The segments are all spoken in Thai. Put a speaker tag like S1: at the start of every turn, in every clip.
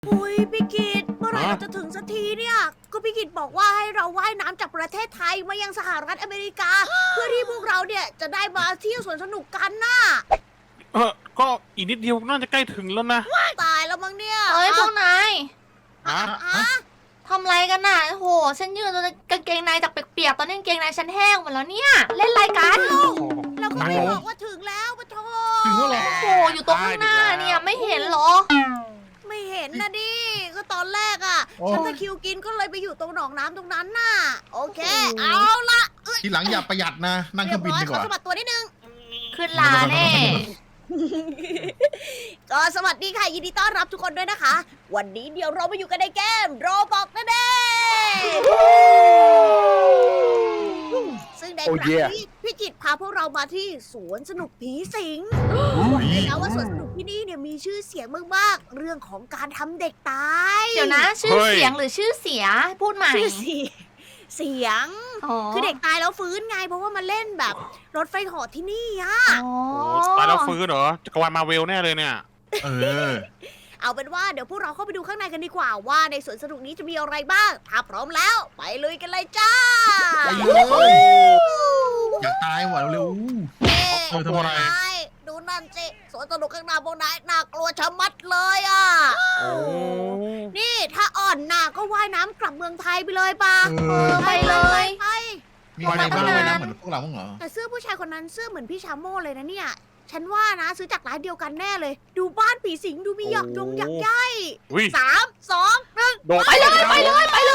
S1: อุ้ยพี่กิตเมื่อไหร่เราจะถึงสักทีเนี่ยก็พี่กิตบอกว่าให้เราว่ายน้ำจากประเทศไทยมายังสหรัฐอเมริกา เพื่อที่พวกเราเนี่ยจะได้มาเที่ยวสวนสนุกกันน่ะ
S2: ก็อีกนิดเดียวน่าจะใกล้ถึงแล้วนะ
S1: ตายแล้วมั้งเนี่ย
S3: เอ้ยพวกนาย
S2: ฮะ
S1: ฮะ
S3: ทำไรกันน่ะโอ้โหฉันยืนจนกางเกงในจากเปียกๆตอนนี้กางเกงในฉันแห้งหมดแล้วเนี่ย เล่นอะไรกัน
S1: เราก็ไม่บอกว่าถึงแล้วปะโถ
S4: ถึงแล้วเหรอ
S3: โอ้โหอยู่ตรงข้างหน้าเนี่ยไม่เห็นเหรอ
S1: ไม่เห็นนะดิก็ตอนแรกอ่ะ
S4: โอ้
S1: ฉันตะคริวกินก็เลยไปอยู่ตรงหนองน้ำตรงนั้นน่ะโอเค เอาละ
S4: ทีหลังอย่าประหยัดนะ นั่งเครื่องบินดีก
S1: ขอ
S4: ว่า
S1: สะบัดตัวนิดนึง
S3: ขึ้นลาแน่
S1: ก็สวัสดีค่ะยินดีต้อนรับทุกคนด้วยนะคะ วันนี้เดี๋ยวเรามาอยู่กันในเกมโรบอกนั่นเองซึ่งในครั้งนี้พี่กิตพาพวกเรามาที่สวนสนุกผีสิงบอกเลยนะว่าสวนสนุกที่นี่เนี่ยมีชื่อเสียงมากๆเรื่องของการทำเด็กตาย
S3: เดี๋ยวนะ ชื่อเสียงหรือชื่อเสียพูดใหม่
S1: ชื่อเสียง คือเด็กตายแล้วฟื้นไงเพราะว่ามาเล่นแบบรถไฟเหอที่นี่อะ
S3: อ๋อ
S2: โอ้ตายแล้วฟื้นเหรอจักรวาลมาเวลแน่เลยเนี่ย
S4: เออ
S1: เอาเป็นว่าเดี๋ยวพวกเราเข้าไปดูข้างในกันดีกว่าว่าในสวนสนุกนี้จะมีอะไรบ้าง ถ้าพร้อมแล้วไปลุยกันเลยจ้า
S4: ไปเลย อยากตายว่ะเร็ว
S1: เอ๊ะ
S4: เออทำไม
S1: นายดูนั่นสิสวนสนุกข้างหน้าพวกนายน่ากลัวชะมัดเลยอ่ะ
S2: โอ้
S1: นี่ถ้าอ่อนหนาก็ว่ายน้ำกลับเมืองไทยไปเลยปะ
S4: ๆเออ
S3: ไปเลย
S1: ไป
S4: มีอะไรบ้างเลยนะเหมือนพวกเราบ้างเหรอ
S1: แต่เสื้อผู้ชายคนนั้นเสื้อเหมือนพี่ชาโม่เลยนะเนี่ย ฉันว่านะซื้อจากร้านเดียวกันแน่เลย ดูบ้านผีสิงดูมีหยอกยงหยักใย
S2: อุ้ย
S1: สามสองหนึ่ง
S2: โดดไปเลยไปเลย
S3: ไปเลย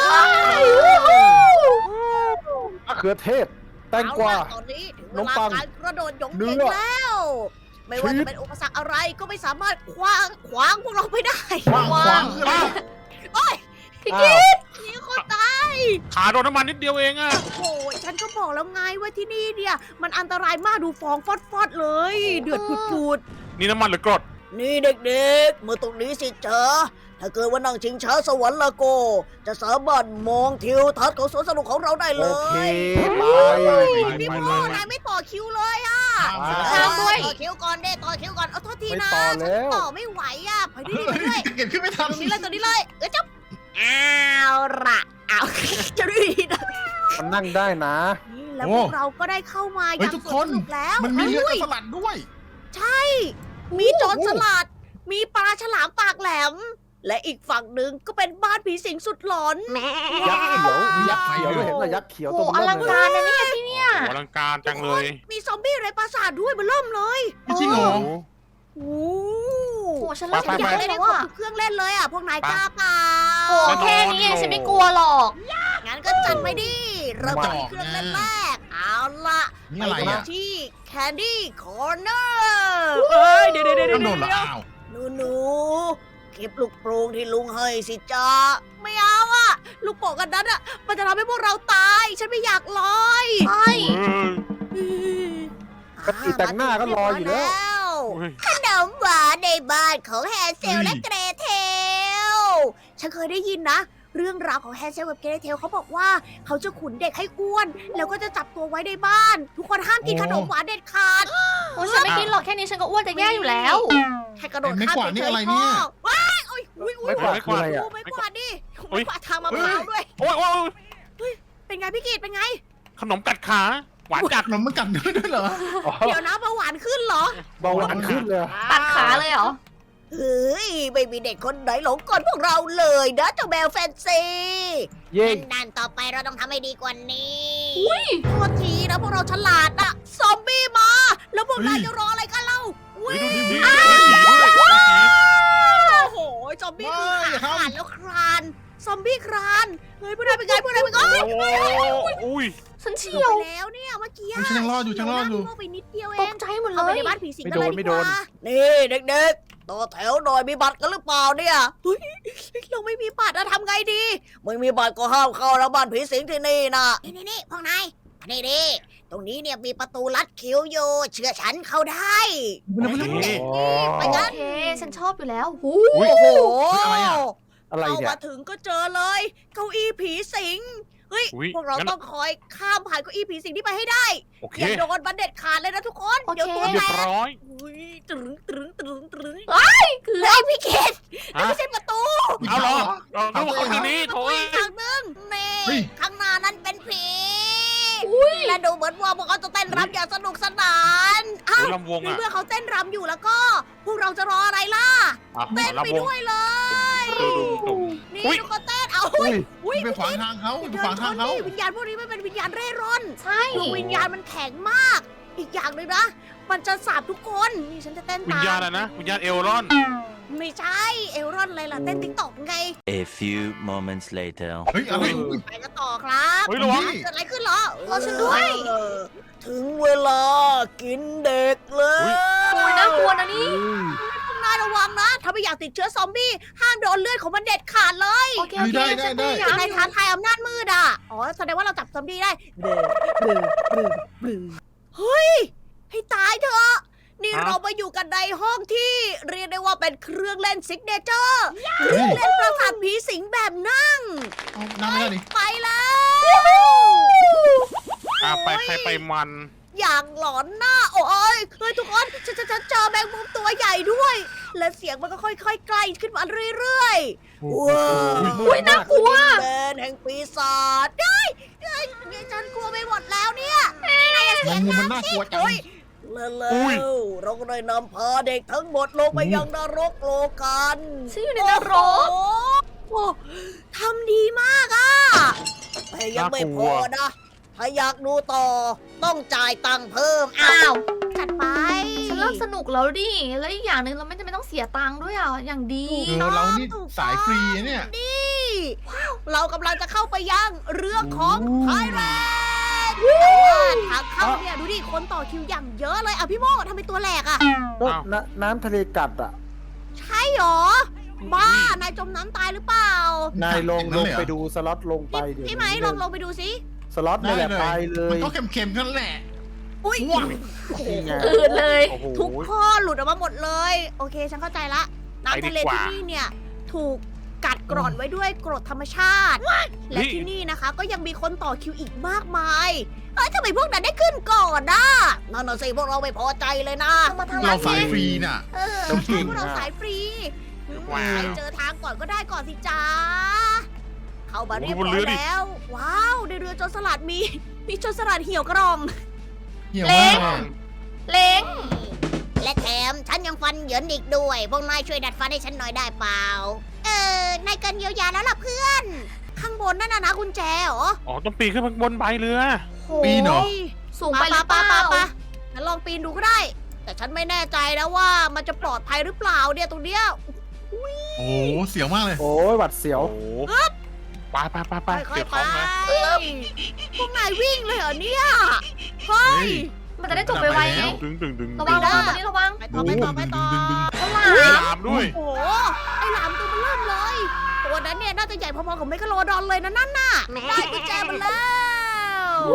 S5: มะเขือเทศ แตงกวา
S1: เอล่ะตอนนี้ถึงเว
S5: ขนม
S1: ลา
S5: ปัง
S1: การกระโดดหยง
S5: เนื้
S1: เก่ง
S5: อ
S1: แล้ว ไม่ว่า
S5: ชี
S1: จะ
S5: ส
S1: เป็นอุปสรรคอะไรก็ไม่สามารถขวางพวกเราไปได้
S4: ขวางขวางคืออะไร
S3: พี่
S5: อ้า
S3: กิ๊
S5: ว
S3: ด
S1: นี่คนตาย
S2: ขาโดนน้ำมันนิดเดียวเองอะ
S1: โอ้ยฉันก็บอกแล้วไงว่าที่นี่เนี่ย มันอันตรายมากดูฟองฟอดๆเลย เดือดปุด
S2: นี่น้ำมันหรือกรด
S1: ๆนี่เด็กๆ เมื่อตรงนี้สิจ๊ะถ้าเกิดว่านั่งชิงช้าสวรรค์ละโก จะสามารถมองทิวทัศน์ของสวนสนุกของเราได้เล
S5: โอเค
S1: ย
S5: ไป
S1: พี่
S4: ไป
S1: โม
S4: เลย
S1: นายไม่ต่อคิวเลยอ่ะ
S4: ข้ามไป
S1: ต่อคิวก่อนเด้ต่อคิวก่อนเอาโทษที
S5: ไม่
S1: นะ
S5: ต่อ
S1: ฉั
S5: แล้
S1: น
S5: ว
S1: ต่อไม่ไหวอ่ะไปด้วยไป
S4: เฮ้
S1: ด้วย
S4: ยจะเก็บขึ้นไม่ทัน
S1: ตรงนี้เลยตรงนี้เลยจ๊บเอาละเอาจะได้ดีนะ
S5: มันนั่งได้นะ
S1: นี่แล้วพวกเราก็ได้เข้ามา
S4: เฮ้
S1: ยั
S4: ย
S1: ง
S4: ทุก
S1: ส
S4: ค
S1: วน
S4: น
S1: สนุกแล้ว
S4: มันมีเรือ
S1: ฮ้ย
S4: สลัดด้วย
S1: ใช่ มีโจรสลัด มีปลาฉลามปากแหลม และอีกฝั่งหนึ่งก็เป็นบ้านผีสิงสุดหลอน
S5: ยักษ์เขียวมียักษ์เขียวด้วยเห็นไหมยักษ์เขียว
S3: โอ้
S5: ตัว
S3: อ
S5: เบ
S3: ลั
S5: อง เลย
S3: การนะเนี่ยที่เนี่ย
S2: โอ้อลังการจังเลย
S1: มีซอมบี้ไรปราสาทด้วยมันเริ่มเลย
S4: ไม่จริงเหรอ
S1: โอ้
S3: โอ้ฉันเริ่ม
S1: ฉันอยาก
S3: อยาก
S1: เล่น
S3: แล้
S1: ให้
S3: ว
S1: ครบ
S3: อ่ะ
S1: ทุกเครื่องเล่นเลยอ่ะ พวกนายกล้าเปล่า
S3: โอ้แค่นี้เองฉันไม่กลัวหรอก
S1: งั้นก็จัดไปดิ เริ่มกันที่เครื่องเล่นแรก เอาล่ะ
S4: นี่
S1: ไป
S4: อะไร
S1: ดู
S4: อ่ะ
S1: ที่ Candy Corner เฮ้ยเดี๋ยว
S4: ต้องโดนเหรออ้าว
S1: หนูเก็บลูกโป่งที่ลุงให้สิจ้าไม่เอาอะลูกโป่งกันนั้นอะมันจะทำให้พวกเราตาย ฉันไม่อยากลอย
S3: ใช่
S5: ปกติแต่งหน้าก็รออยู่แล้ว
S2: อุ้ย
S1: ขนมหวานในบ้านของแฮนเซล
S4: เฮ้ย
S1: และเกรเทล ฉันเคยได้ยินนะ เรื่องราวของแฮนเซลกับเกรเทลเขาบอกว่าเขาจะขุนเด็กให้อ้วน แล้วก็จะจับตัวไว้ในบ้าน ทุกคนห้ามกินขนมหวานเด็ดขาด
S3: โอ้ฉันไม่กินหรอกแค่นี้ฉันก็อ้วนจะแย่อยู่แล้ว
S1: แค่กระโดด
S4: ไม้
S1: ข้าม
S4: กวาดนี่
S1: เฉย
S4: อะไร
S1: ๆ
S4: เนี่
S1: พ่อย ว้ายโอ้ยอุ้ย
S5: ไม่กวาดคืออะไรอ่ะ
S1: ดูไม่กวาดดิไม่กวาดทางมะพร้าวด้วย
S2: โอ้ยโอ้ย
S1: เป็นไงพี่กีดเป็นไง
S2: ขนมกัดขาหวานจัด
S4: ขนมมันกัดด้วยเหรอ
S5: อ๋อ
S1: เดี๋ยวนะเบาหวานขึ้นเหรอ
S5: เบาหวานขึ้นเลย
S3: ตัดขาเลยเหรอ
S1: เฮ้ยไม่มีเด็กคนไหนหลงกลพวกเราเลยนะเจ้าแมวแฟนซี
S5: เย่
S1: ดันต่อไปเราต้องทำให้ดีกว่านี้
S3: อุ้ย
S1: โทษทีนะพวกเราฉลาดอะซอมบี้มา แล้วพวกนาย
S4: เฮ้ย
S1: จะรออะไรกันเล่า
S2: เฮ้ยดูดิ
S4: นี่
S2: มี
S4: นี่
S2: ผีด้วยมีผี
S1: โอ้โหซอมบี้คือ
S4: ไม่อย่า
S1: ขา
S4: ทำ
S1: ขาดแล้วคลานซอมบี้คลานเฮ้ยพวกนายเป็นไงพวกนายเป็นไง
S2: โอ้ยอุ้ย
S3: ฉันเฉี
S1: เฉี
S3: ย
S1: ยว
S3: ว
S1: ไปแล้วเนี่ยเมื่อกี้
S4: ฉันยังรอดอยู่ฉันรอดอยู่
S1: เฉีวหน้าไปนิดเดียวเอ
S3: ต
S1: ง
S3: กใจหมดเล
S1: เข้าไป
S3: ย
S1: ในบ้านผีสิงกันเลยดีกว่านี่เด็กๆต่อแถวหน่อยมีบัตรกันหรือเปล่าเนี่ยเฮ้ยเราไม่มีบัตรอะทำไงดีไม่มีบัตรก็ห้ามเข้าแล้วบ้านผีสิงที่นี่นะนี่พวกนายนี่ดิตรงนี้เนี่ยมีประตูลัดคิวอยู่เชื่อฉันเข้าได้
S5: อ๋อ
S1: ไป
S3: โอ
S1: กัน
S3: เค ฉันชอบอยู่แล้วหู
S2: อุ้ย
S1: โอ้โห
S4: เฮ้ยอะไรอะ
S5: อะไร
S1: เข้า
S5: เนี่ย
S1: มาถึงก็เจอเลย เก้าอี้ผีสิงเฮ้ย
S2: อุ๊ย
S1: พวกเรา
S2: งั้น
S1: ต้องคอยข้ามผ่านเก้าอี้ผีสิงที่ไปให้ได้
S2: โอเค
S1: อย่าโดนบันเด็ดขาดเลยนะทุกคน
S3: โอเค
S1: เดี๋ยวตัว
S2: เรี
S1: แต
S2: ยบ
S1: ก
S2: ร้อย
S1: อุ้ยตรึงตรึงตรึงตรึง
S3: คือ
S1: ไอ้พี่เกด
S2: ฮะ
S1: ไม่ใช่ประตู
S2: เอาเหรอเอาลูกคนนี้
S1: ประ
S2: โถ
S1: ตู
S2: เอ้
S1: อี
S2: ย
S1: กทางนึงนี่
S4: เฮ้ย
S1: ข้างหน้านั้นเป็นผีและดูเหมือนว่าพวกเขาจะเต้นรำอย่างสนุกสนาน
S2: โอ้ยลำวง
S1: ใน
S2: อ่ะ
S1: เมื่อเขาเต้นรำอยู่แล้วก็ พวกเราจะรออะไรล่ะ
S2: อ่ะ
S1: เต้นไป
S2: ลำวง
S1: ด้วยเลย
S2: ดู
S1: นี่
S2: อุ๊ย
S1: ทุกคนเต้นเอา
S5: อุ้ย
S1: อุ้ย
S4: ไปขวางทางเขาไป
S1: เดิ
S4: ขวาน ง
S1: ช
S4: ทาง
S1: น
S4: เขา
S1: นี่วิญญาณพวกนี้ไม่เป็นวิญญาณเร่ร่อน
S3: ใช่
S1: ดวงวิญญาณมันแข็งมาก อีกอย่างหนึ่งนะ มันจะสาบทุกคน นี่ฉันจะเต้น
S2: วิญ
S1: ตาม
S2: ญาณอะไรนะ วิญญาณเอลรอน
S1: ไม่ใช่ เอลรอนอะไรล่ะ เต้นติ๊กต็อกไง
S6: A few moments later.
S4: เฮ้ยอะไร
S1: ไปกันต่อครับ
S2: เฮ้ยระวัง
S1: เกิดอะไรขึ้นเหรอ
S3: รอฉันด้วย
S1: ถึงเวลากินเด็กเลย
S3: โอ้ยน่ากลัวนะนี่
S1: พวกนายระวังนะ ถ้าไม่อยากติดเชื้อซอมบี้ ห้ามโดนเลือดของมันเด็ดขาดเลย
S3: โอเคโอเค
S4: ได้
S3: ฉันพ
S4: ได้
S3: ยายาม
S1: ใน
S3: อยู่
S1: ท้าทายอำนาจมืดอ่ะ อ๋อ แสดงว่าเราจับซอมบี้ได้เบลเบลเบลเบลเฮ้ย ให้ตายเถอะ นี่
S2: ฮะ
S1: เรามาอยู่กันในห้องที่เรียกได้ว่าเป็นเครื่องเล่นซิกเนเจอร์เครื่องเล่นประสาทผีสิงแบบนั่ง
S4: เอานั่งไม่ได้ดิ
S1: ไปแล้ว
S2: อ่ะไปใครไปมัน
S1: อย่างหลอนหน้า โอ้ยเฮ้ยทุกคนฉันเจอแมงมุมตัวใหญ่ด้วย และเสียงมันก็ค่อยๆใกล้ขึ้นมาเรื่อยๆว้าว
S3: อุ้ยน่ากลัว
S1: แดนแห่งปีศาจได้ฉันกลัวไปหมดแล้วเนี่ยนายอย่า
S4: แม
S1: เสีย
S4: ง
S1: ง
S4: มุม
S1: ดั
S4: มัน
S1: ง
S4: น่าก
S1: สิ
S4: ลัวจัง
S1: โอ้ยแล้วเราก็ได้นำพาเด็กทั้งหมดลงไปยังนรกโลกัน
S3: ฉันอยู่ในนรก
S1: โอ้โหทำดีมากอ่ะแต่ยังไม่พอนะ ถ้าอยากดูต่อต้องจ่ายตังค์เพิ่ม
S3: อ้าว
S1: จัดไป
S3: ฉันเริ่มสนุกแล้วดิ แล้วอีกอย่างหนึ่งเราไม่จำเป็นต้องเสียตังค์ด้วยอ่ะ อย่างดี
S4: เรานี่สายฟรีนะเนี่ย
S1: นี่เรากำลังจะเข้าไปยังเรื่องของไทยแลนด์แต่ว่าทางเข้าเนี่ยดูดิคนต่อคิวอย่างเยอะเลยอ่ะพี่โมทำไมตัวแหลกอ่ะ
S5: แล้วน้ำทะเลกัดอ่ะ
S1: ใช่หรอ บ้านายจมน้ำตายหรือเปล่า
S5: นายลง
S4: อย่างนั้นเลยเหรอ
S5: ไปดูสล็อตลงไปเดี๋ยว
S1: พี่ไหมลองไปดูสิ
S5: สล็อตนี่แหละไปเล
S4: มัน
S5: ย
S4: ก็เค็มๆเท่านั้นแหละ
S1: อุ้ย
S4: ว้าว
S5: นี่ไง
S3: อื่นเลย
S2: โอ้โห
S1: ทุกข้อหลุดออกมาหมดเลย โอเคฉันเข้าใจละน้ำทะเล
S2: ไปดีกว่า
S1: ที่นี่เนี่ย ถูกกัดกร่อนไว้ด้วยกรดธรรมชาติ และที่นี่นะคะ ก็ยังมีคนต่อคิวอีกมากมายเอ้ยทำไมพวกนั้นได้ขึ้นก่อนนะนั่นน่ะสิพวกเราไม่พอใจเลยนะ
S3: เอามาทาง
S4: เรา
S3: ร้าน
S4: สาย
S3: นี้
S4: ฟรีน่ะ
S1: เออ
S4: เราเก่ง
S1: พวกเรา
S5: อะ
S1: สายฟรี
S2: ว้าว
S1: ใครเจอทางก่อนก็ได้ก่อนสิจ้าเข้ามาเรียบ
S2: โอ้โหบน
S1: ร้
S2: เรือ
S1: อย
S2: ดิ
S1: แล้ว ว้าวในเรือโจรสลัดมีโจรสลัดเหี่ยวกระรอง
S4: เหี่ยวมาก
S3: เล้ง
S1: และแถมฉันยังฟันเหยินอีกด้วย พวกนายช่วยดัดฟันให้ฉันหน่อยได้เปล่า นายเกินเยียวยาแล้วล่ะเพื่อน ข้างบนนั่นนะกุญแจเหรอ
S2: อ๋อต้องปีนขึ้นไปบนใบเรือ
S3: โห
S4: ปีนเหรอ
S3: สูงไปหรือเปล่า
S1: งั้นลองปีนดูก็ได้ แต่ฉันไม่แน่ใจนะว่ามันจะปลอดภัยหรือเปล่าเนี่ยตรงเนี้ย
S4: โอ้โหเสียวมากเลย
S5: โอ้ยหวัดเสียว
S2: โอ้โหไป
S1: ค่
S2: เก็
S1: อย
S2: บ
S1: ๆ
S2: ข
S1: ไป
S2: องมา
S1: พวกนายวิ่งเลยเหรอเนี่ย เฮ้ย
S3: มันจะได้จบไปไวๆไง
S2: ดึง
S3: ระวังระวังตรงนี้ระวัง
S1: ไปต่อไปต่อไปต่อ
S4: ดึง
S3: ฉลา
S2: ลาม มด้วย
S1: โอ้โห ไอ้หลามตัวมันเริ่มเลย ตัวนั้นเนี่ยน่าจะใหญ่พอๆกับเมกะโลดอนเลยนะนั่นน่ะ ได้กุญแจมาแล้ว
S2: โอ้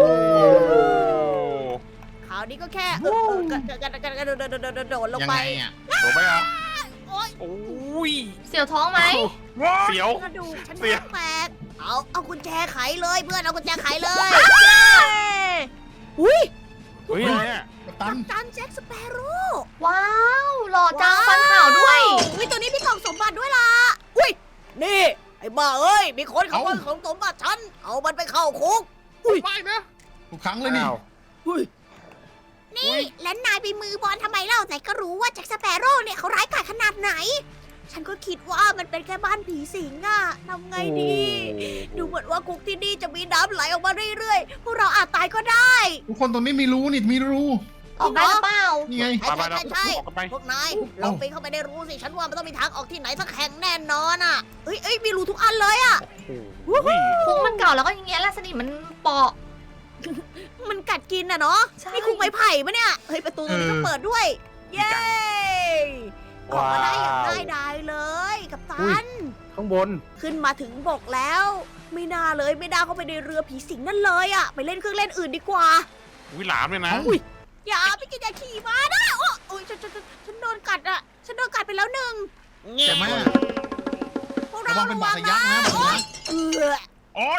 S1: คราวนี้ก็แค่โดดลง
S4: ยัง
S1: ไป
S4: ไงอ่ะ
S2: โดนไหมอ่ะ
S1: โอ๊ย
S2: โอ้ย
S3: เสียวท้องไหม
S2: เสียว
S1: กระดูกฉัน
S2: เสีย
S1: แตกเอากุญแจไขเลยเพื่อนเอากุญแจไขเลยอุ้ย
S2: เฮ้ยอะไรอ่ะ
S4: กัปตั
S1: กัน ปตันแจ็คสเปโร่
S3: ว้าวหล่อจังฟันขาวด้วย
S1: อุ้ยตัวนี้มีกล่องสมบัติด้วยล่ะ อุ้ย นี่ ไอ้บ้าเอ้ย มีคนขโมยของสมบัติฉัน เอามันไปเข้าคุก
S2: ไม่นะ
S4: ทุกครั้งเลยนี่
S5: อ้าว
S1: นี่แล้วนายไปมือบอลทำไมเล่าไหนก็รู้ว่าแจ็คสเปโร่เนี่ยเขาร้ายกาจขนาดไหน ฉันก็คิดว่ามันเป็นแค่บ้านผีสิงอะทำไงดี ดูเหมือนว่าคุกที่นี่จะมีน้ำไหลออกมาเรื่อยๆ พวกเราอาจตายก็ได้
S4: ทุกคนตรงนี้มีรูนี่มีรู
S3: ออกได้หรือเปล่า
S4: นี่ไง
S1: ใช่
S2: ไป
S1: ใช่
S2: ๆ
S1: ใช่
S2: ออกกันไป
S1: พวกนายลองปีนเข้าไปได้รู้สิ ฉันว่ามันต้องมีทางออกที่ไหนสักแห่งแน่นอนอะเอ้ยมีรูทุกอันเลยอะ
S2: โอ้ย
S3: คุกมันเก่าแล้วก็อย่างเงี้ยแหละสนิมมันเปาะ
S1: มันกัดกินอะเนาะ
S3: ใช่
S1: นี่คุกไม้ไผ่ปะเนี่ย เฮ้ยประตูตรงนี้ก็เปิดด้วย เย้ออกมาได้อย่างง่ายดายเลยกับตัน
S5: ข้างบน
S1: ขึ้นมาถึงบกแล้ว ไม่น่าเลยไม่น่าเข้าไปในเรือผีสิงนั่นเลยอะไปเล่นเครื่องเล่นอื่นดีกว่า
S2: วิหลามเลยนะ
S1: อย่าไปกินอย่าขี่ม้านะโอ้ยฉันโดนกัดอะฉันโดนกัดไปแล้วหนึ่ง
S4: แต่ไม่
S1: พวกเรา
S4: ระวังเป็นบาดทะยักนะ
S1: โอ๊ย
S4: บาดทะยัก
S1: เออ
S2: โอ๊ย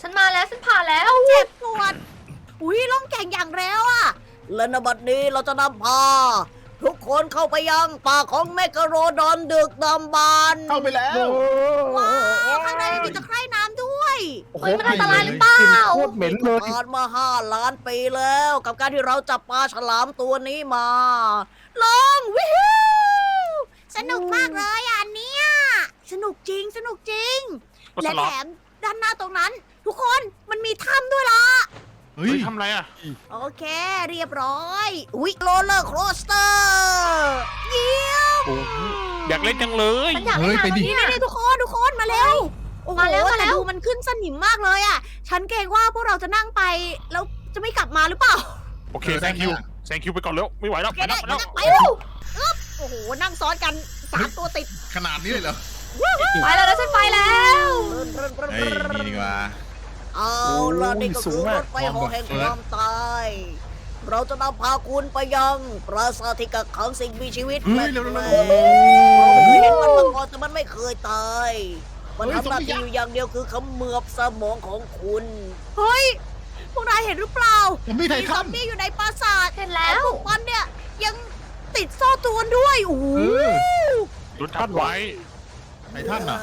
S3: ฉันมาแล้วฉันผ่านแล้ว
S1: เจ็บปวด อุ้ยล่องแก่งอย่างแล้วอะและในบัดนี้เราจะนำพา ทุกคนเข้าไปยังป่าของเมกะโรดอนดึกดำบรรพ์
S4: เข้าไปแล้ว
S1: ว้าวข้างในมีตะไคร่น้ำด้วย
S5: โอ้โห
S3: เฮ้ยมันอันตรายหรือเปล่า
S5: กลิ่นโคตรเหม็นเลย
S1: ผ่านมา5 ล้านปีแล้ว กับการที่เราจับปลาฉลามตัวนี้มาลองวิวสนุกมากเลยอันเนี้ยสนุกจริงสนุกจริง
S2: ก็ส
S1: และ
S2: ล็อ
S1: แถ
S2: ต
S1: มด้านหน้าตรงนั้น ทุกคนมันมีถ้ำด้วยล่ะ
S4: เฮ้
S2: เฮ้
S4: ย
S2: ยทำอะไรอ่ะ
S1: โอเค เรียบร้อยอุ๊ยโรลเลอร์โคสเตอร์เยี่ยม
S2: โอ้โหอยากเล่นจังเลย
S3: ฉันอยากเล่นน้ำแล้ว
S1: นี่
S3: เนี่ย
S1: นี่ทุกคนมาเร็วโอ้โห
S3: มาแล้ว
S1: แต่ดูมันขึ้นสนิมมากเลยอ่ะ ฉันเกรงว่าพวกเราจะนั่งไปแล้วจะไม่กลับมาหรือเปล่า
S2: โอเคแซงคิวแซงคิวไปก่อนเร็วไม่ไหวแล้ว
S1: โอเค
S2: ไปแล้
S1: ได้
S2: วไปแล้ว
S1: ไปแล้วอึ๊บโอ้โหนั่งซ้อนกัน3 ตัวติด
S4: ขนาดนี้เลยเหรอ
S3: ไปแล้วนะฉันไปแล้ว
S4: เฮ้ย นี่ดีกว่า
S1: เอาล่ะนี่ก็คือรถไฟเหอแห่งความตายเราจะนำพาคุณไปยังปราสาทที่กักขังสิ่งมีชีวิต
S4: เฮ้
S1: แปล
S4: ยเร็วๆ
S1: ก
S4: ๆ
S1: ๆเราไม่เคยเห็นมันมาก่อนแต่มันไม่เคยตาย มัน
S4: เฮ้ย
S1: ทำหน้า
S4: ซอมบี้
S1: ที่
S4: ยักษ์
S1: อยู่อย่างเดียวคือเขมือบสมองของคุณ เฮ้ย พวกนายเห็นหรือเปล่า
S4: ผมมีไท
S1: มีซ
S4: ทั
S1: อน มบี้อยู่ในปราสาท
S3: เห็นแล้ว
S1: พวกมันเนี่ยยังติดโซ่ตรวนด้วยโอ้โห
S4: เออ
S2: รถทับไว้
S4: ไททันอ่ะ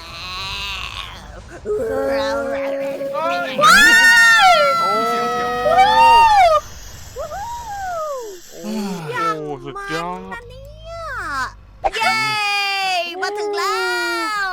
S1: ว้าว
S2: โอ้
S4: เสียวเสียว
S2: โอ้สุดยอด
S1: นะเนี่ยเย้มาถึงแล้ว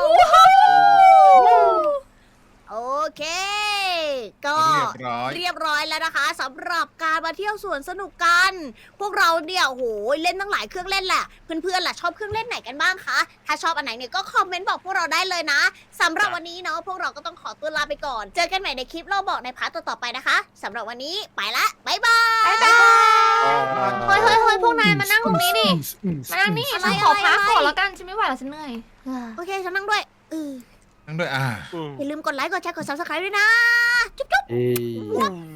S1: โอเค ก็
S4: เรียบร้อย
S1: เรียบร้อยแล้วนะคะสำหรับการมาเที่ยวสวนสนุกกัน พวกเราเนี่ยโอ้โหเล่นตั้งหลายเครื่องเล่นแหละเพื่อนๆล่ะชอบเครื่องเล่นไหนกันบ้างคะถ้าชอบอันไหนเนี่ยก็คอมเมนต์บอกพวกเราได้เลยนะสำหรับวันนี้เนาะพวกเราก็ต้องขอตัวลาไปก่อน เจอกันใหม่ในคลิปเราบอกในพาร์ทต่อๆไปนะคะสำหรับวันนี้ไปละบ๊ายบาย
S3: บ๊ายบายเฮ้ยเฮ้ยเฮ้ยพวกนายมานั่งตรงนี้ดิ มานั่งนี่
S1: อะไร
S3: ฉันขอพัก
S1: อะไร
S3: ก่อนแล้วกันฉันไม่ไหวแล้วฉันเหนื่อย
S1: โอเคฉันนั่งด้วยเออ
S4: นั่งด้วย
S1: อย่าลืมกดไลค์กดแชร์กด subscribe ด้วยนะ จุ๊บ
S5: เอ้ย
S2: อืม